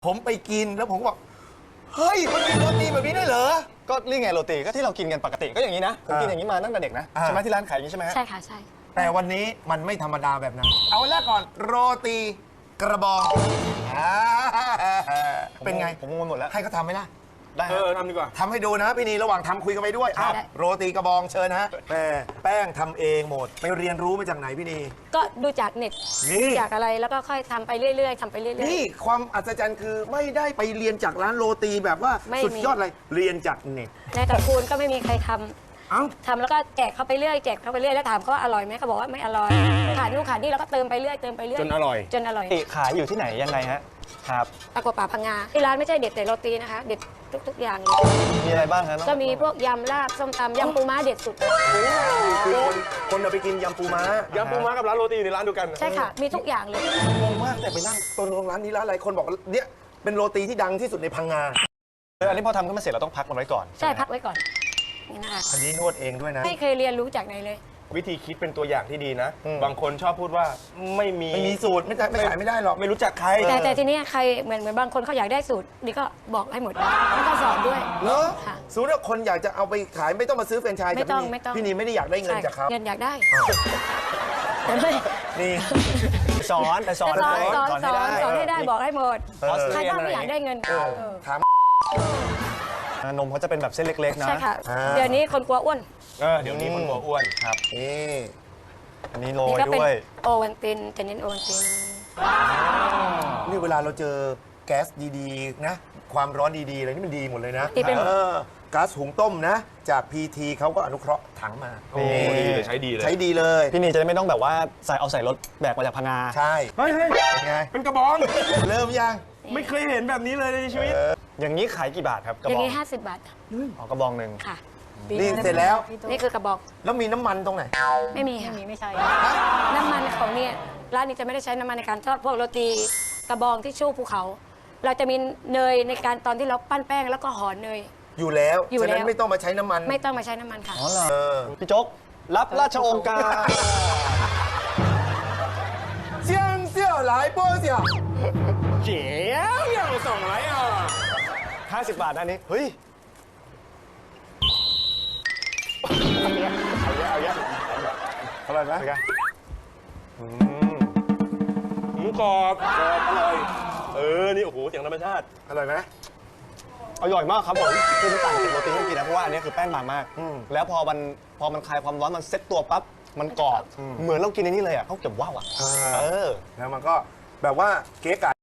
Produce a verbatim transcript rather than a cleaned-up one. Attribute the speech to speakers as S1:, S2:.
S1: ผมไปกินแล้วผมก็บอกเฮ้ยมันมีโรตีแบบนี้ได้เหรอ
S2: ก็นี่ไงโรตีก็ที่เรากินกันปกติก็อย่างนี้นะผมกินอย่างนี้มาตั้งแต่เด็กนะใช่ไหมที่ร้านขายอย่างนี้ใช่ไหม
S3: ใช่ค่ะใช่
S1: แต่วันนี้มันไม่ธรรมดาแบบนั้นเอาแรกก่อนโรตีกระบองเป็นไง
S2: ผมงงหมดแล้ว
S1: ให้เขาทำไหมล่ะ
S2: ได้เออทำดีกว่า
S1: ทำให้ดูนะพี่นีระหว่างทำคุยกันไปด้วยอ้าวโรตีกระบองเชิญนะแม่แป้งทำเองหมดไปเรียนรู้มาจากไหนพี่นี
S3: ก็ดูจากเน็ต
S1: นี่
S3: จากอะไรแล้วก็ค่อยทำไปเรื่อยๆทำไปเรื่อยๆ
S1: นี่ความอัศจรรย์คือไม่ได้ไปเรียนจากร้านโรตีแบบว่าสุดยอดเลยเรียนจากเน็ต
S3: ในตระกูลก็ไม่มีใครทำ
S1: เอ้า
S3: ทำแล้วก็แจกเขาไปเรื่อยแจกเขาไปเรื่อยแล้วถามเขาว่าอร่อยไหมเขาบอกว่าไม่อร่อยขาดนู่นขาดนี่แล้วก็เติมไปเรื่อยเติมไปเรื่อย
S2: จนอร่อย
S3: จนอร่อย
S2: ขายอยู่ที่ไหนยังไงฮะครับ
S3: ตะกัวป่าพังงาที่ร้านไม่ใช่เด็ดแต่โรตีนะคะเด็ดทุกๆอย่างเลย
S2: มีอะไรบ้างครับ
S3: ก็มีพวกยำลาบส้มตำยำปูม้าเด็ดสุด
S1: คือคนคนเอาไปกินยำปูม้าย
S2: ำปูม้ากับร้านโรตีอยู่ในร้านเดียวกัน
S3: ใช่ค่ะมีทุกอย่างเลย
S1: งงมากแต่ไปนั่งตรงร้านนี้ร้านอะไรคนบอกเนี่ยเป็นโรตีที่ดังที่สุดในพังงา
S2: อันนี้พอทำขึ้นมาเสร็จเราต้องพักมันไว้ก่อน
S3: ใช่พักไว้ก่อนนี่นะคะ
S1: อันนี้นวดเองด้วยนะ
S3: ไม่เคยเรียนรู้จากไหนเลย
S4: วิธีคิดเป็นตัวอย่างที่ดีนะบางคนชอบพูดว่าไม่มี
S1: ไม่มีสูตรไม่ได้ไม่ขายไม่ได้หรอก
S4: ไม่รู้จักใคร
S3: แต่แต่ทีนี้ใครเหมือนเหมือนบางคนเขาอยากได้สูตรนี่ก็บอกให้หมดแล้วก็สอนด้วย
S1: เนอะ
S3: ค่ะ
S1: สูตรคนอยากจะเอาไปขายไม่ต้องมาซื้อแฟรนไชส์
S3: ไม่ต้องไม่ต้อง
S1: พี่นีไม่ได้อยากได้เงินจากเขา
S3: เงินอยากได้
S1: นี่
S2: สอนแต่สอน
S3: สอนสอนสอนสอนให้ได้บอกให้หมดใครบ้างไม่อยากได้เงิน
S1: ถาม
S2: นมเขาจะเป็นแบบเส้นเล็กๆนะ
S3: ใช่ค่ะเดี๋ยวนี้คนกลัวอ้วน
S4: เออเดี๋ยวนี้คนกลัวอ้วนครับ
S1: นี่
S2: อันนี้โรยด้วย
S3: โอวันตินจะเน้นโอวันติน
S1: นี่เวลาเราเจอแก๊สดีๆนะความร้อนดีๆอะไรนี่มันดีหมดเลยนะก๊าซหุงต้มนะจาก พี ที เขาก็อนุเคราะห์ถังมา
S4: โอ้ดีเลยใช้ดีเลย
S1: ใช้ดีเลย
S2: พี่นีจะได้ไม่ต้องแบบว่าใส่เอาใส่รถแบกมาจากพังงา
S1: ใช่
S4: เฮ้ย
S1: เป็นไง
S4: เป็นกระบอง
S1: เริ่มยัง
S4: ไม่เคยเห็นแบบนี้เลยในชีวิต
S2: อย่างนี้ขายกี่บาทครับกระบอง
S3: อย่างนี้ห้าสิบบาท
S2: อ๋อกระบองหนึ่ง
S3: ค่ะ
S1: นี่เสร็จแล้ว
S3: นี่คือกระบอก
S1: แล้วมีน้ำมันตรงไหน
S3: ไม่มีค่ะไม่ใช่น้ำมันของเนี่ยร้านนี้จะไม่ได้ใช้น้ำมันในการทอดพวกโรตีกระบองที่ชู่ภูเขาเราจะมีเนยในการตอนที่เราปั้นแป้งแล้วก็ห่อเนย
S1: อยู่แล้วฉะนั้นไม่ต้องมาใช้น้ำมัน
S3: ไม่ต้องมาใช้น้ำมันค่ะ
S2: อ๋อเหรอพี่โจ๊กรับราชองค์การ
S1: เสี่ยงเสี่ยวหลายโป้เสี่ยว
S4: เจ๋วยังส่งไรอ่ะ
S2: ห้าสิบบาทอันนี้เฮ้ย
S4: เอาเยอะ
S1: อร่อยไหม
S4: อืมหมูกรอบกรอบอร่อยเออนี่โอ้โหเสียงธรรมชาติ
S1: อร่อยไหม
S2: อร่อยมากครับผมคือมันต่างจากโรตีที่กินนะเพราะว่าอันนี้คือแป้งบางมากแล้วพอมันพอมันคลายความร้อนมันเซ็ตตัวปั๊บมันกรอบเหมือนเรากินในนี้เลยอ่ะเขาเก็บว่าวอ่ะ
S1: เออแล้วมันก็แบบว่าเก๊ก